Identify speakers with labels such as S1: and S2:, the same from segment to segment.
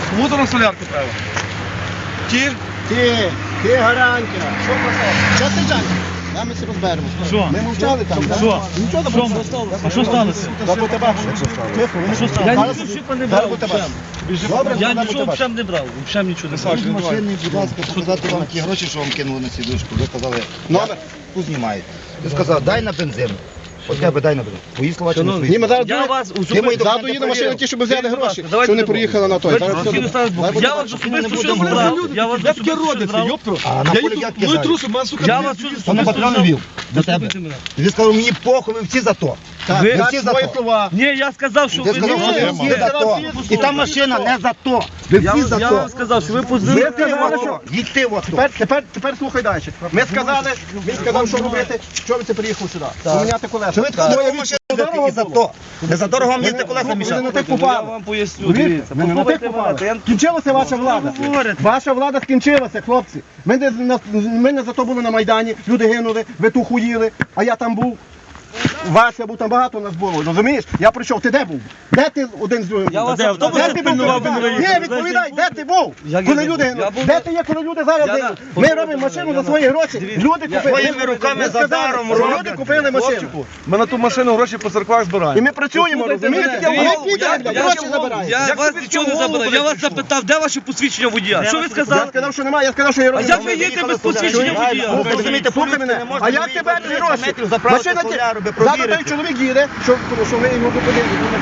S1: Кому-то на солярку треба. Ті?
S2: Ти гарантія. Що писав? Що ти джанки? Ми все розберемося.
S3: Що?
S2: Ми мовчали там.
S3: Що?
S2: Нічого там не сталося.
S3: А що сталося?
S2: Бо тебе тихо,
S3: А що сталося?
S2: Я
S3: Я
S2: нічого
S3: нічого не брав.
S2: Добре,
S3: Я
S2: вона
S3: нічого
S2: буде
S3: взагалі не брав. Взагалі нічого не брав.
S4: Машини, будь ласка, показати вам ті гроші, що вам кинули на сідушку. Ви казали,
S2: Номер?
S4: познімаєте. Ти сказав, дай на бензин. От тебе дай на бензин. Твої слова чи не
S3: Шановні,
S4: твої?
S2: Ні, ми зараз
S3: Я вас
S2: ззаду їде машина, ті, щоб взяли гроші, що вони приїхали на той.
S3: Я вас особисто щось брав. Я вас особисто щось брав.
S4: А на полі як кидають?
S3: Я вас
S4: Хто на патрон
S3: особисто
S4: вів? До тебе. Він сказав, мені похуй, ви всі за то.
S3: Ви-
S4: Ви всі за то.
S2: слова.
S3: Ні, я сказав, що
S4: Ти
S3: ви
S4: сказав, що ви всі
S3: не
S4: за то. І та машина не за то. Ви всі за
S3: Я
S4: то.
S3: вам сказав, що ви
S2: Ви
S3: позвонили.
S2: сказали, що...
S4: Їдьте в АТО.
S2: Тепер слухай далі. Ми сказали, він сказав, що робити, що ви це приїхав сюди. Поміняти колеса.
S4: Що ви такою машину їздите і за то? Не за дорого вам їздити колеса
S2: Ви не
S4: мішати.
S2: на тих
S3: Я
S2: попали.
S3: вам поясню,
S2: Ви
S3: дивіться.
S2: не на тих
S3: Послухайте мене,
S2: попали.
S3: я
S2: Скінчилася ваша влада.
S3: говорите?
S2: Ваша влада скінчилася, хлопці. Ми не за то були на Майдані, люди гинули, ви ту хуїли, а я там був. Вася був, там багато нас було, розумієш? Я прийшов, ти де був? Де ти один з другим?
S3: Я вас
S2: Де
S3: автобус
S2: ти був?
S3: пильнував, ви не
S2: Ні,
S3: виїхали.
S2: відповідай, де ти був?
S3: Як
S2: Коли
S3: я
S2: люди
S3: не був? Я
S2: гинули?
S3: був
S2: Де
S3: на-
S2: ти є, коли люди зараз
S3: Я
S2: гинули?
S3: на-
S2: Ми робимо машину за свої гроші, люди купили.
S4: Своїми руками
S2: Ми
S4: за
S2: сказали,
S4: даром
S2: що
S4: роблять.
S2: люди купили машину.
S1: Ми на ту машину гроші по церквах
S2: І
S1: збираємо.
S2: ми працюємо,
S3: Послухайте
S2: розумієте?
S3: мене,
S2: Ми
S3: дивіться,
S2: підемо, блядь, гроші забираємо.
S3: Я вас нічого не забирав. Я вас запитав, де ваше посвідчення водія? Що ви
S2: Я
S3: сказали?
S2: сказав, що немає, я сказав, що я
S3: А
S2: роблю.
S3: як ви їдете без посвідчення водія?
S2: Ви розумієте, слухай мене. А як тебе не гроші? Машина завтра той чоловік їде, що ви його зупинили,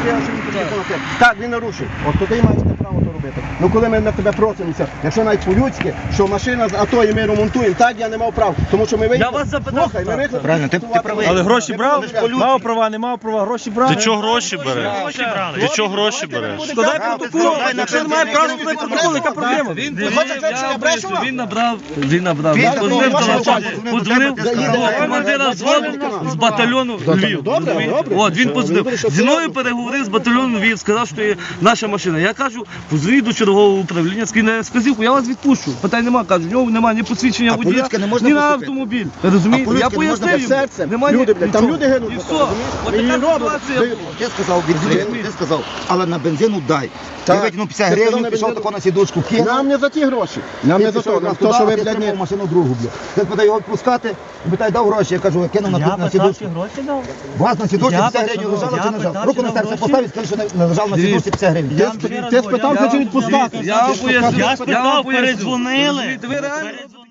S2: так, він нарушив. От то ти маєш те право то робити. Ну коли ми на тебе просимося, якщо навіть по-людськи, що машина з АТО і ми ремонтуємо, так я не мав прав. Тому що ми виїхали.
S3: Я вас запитав.
S2: Слухай, ми виїхали.
S4: Правильно, ти правий.
S5: Але гроші брав?
S2: по-людськи.
S5: Мав права, не мав права, гроші брав.
S6: Ти чого гроші береш? Ти чого гроші береш?
S5: Складай протокол, якщо не має права, складай протокол, яка проблема?
S3: Він набрав.
S4: Він
S3: Позвонив
S4: набрав.
S3: Подзвонив до командира взводу з батальйону Львів.
S2: Добре,
S3: розумієте?
S2: добре.
S3: От, він
S2: Все,
S3: подзвонив.
S2: вони вирішили,
S3: Зі мною переговорив з батальйону Львів, сказав, що є наша машина. Я кажу, позвоніть до чергового управління, скине вказівку, я вас відпущу. Питань нема, кажу, в нього немає ні посвідчення
S4: А
S3: водія,
S4: по-людськи не можна
S3: ні на
S4: поступити?
S3: автомобіль. Ви розумієте?
S4: А
S3: Я
S4: по-людськи не можна
S3: пояснив йому.
S2: серцем.
S3: Немає
S2: Люди, блядь, там
S3: нічого.
S2: люди гинуть
S3: І
S2: за
S3: все.
S2: це, розумієш?
S3: От
S2: Ми її
S3: така
S2: робимо.
S3: ситуація.
S4: Ти сказав, ти сказав, але на бензину дай.
S2: Так.
S4: Ти викинув 50
S2: Ти сказав,
S4: гривень,
S2: на
S4: пішов
S2: бензину.
S4: тако на сідушку, кинув.
S2: Нам не за ті гроші. Нам не за то. Нам то, що ви, блядь, не...
S4: машину другу, блядь. Ти питає його відпускати, питає, дав гроші. Я кажу, я кинув на сідушку.
S5: гроші дав.
S4: Вас на сідушці
S5: Я
S4: 50 гривень лежало чи не лежало?
S5: питав,
S4: Руку на
S5: чи
S4: серце
S5: гроші?
S4: поставив, скажи, що не лежав на сідушці 50 гривень.
S2: Ти спитав, що відпускати.
S3: Я вам поясню.
S5: Я спитав, передзвонили.
S3: Ви реально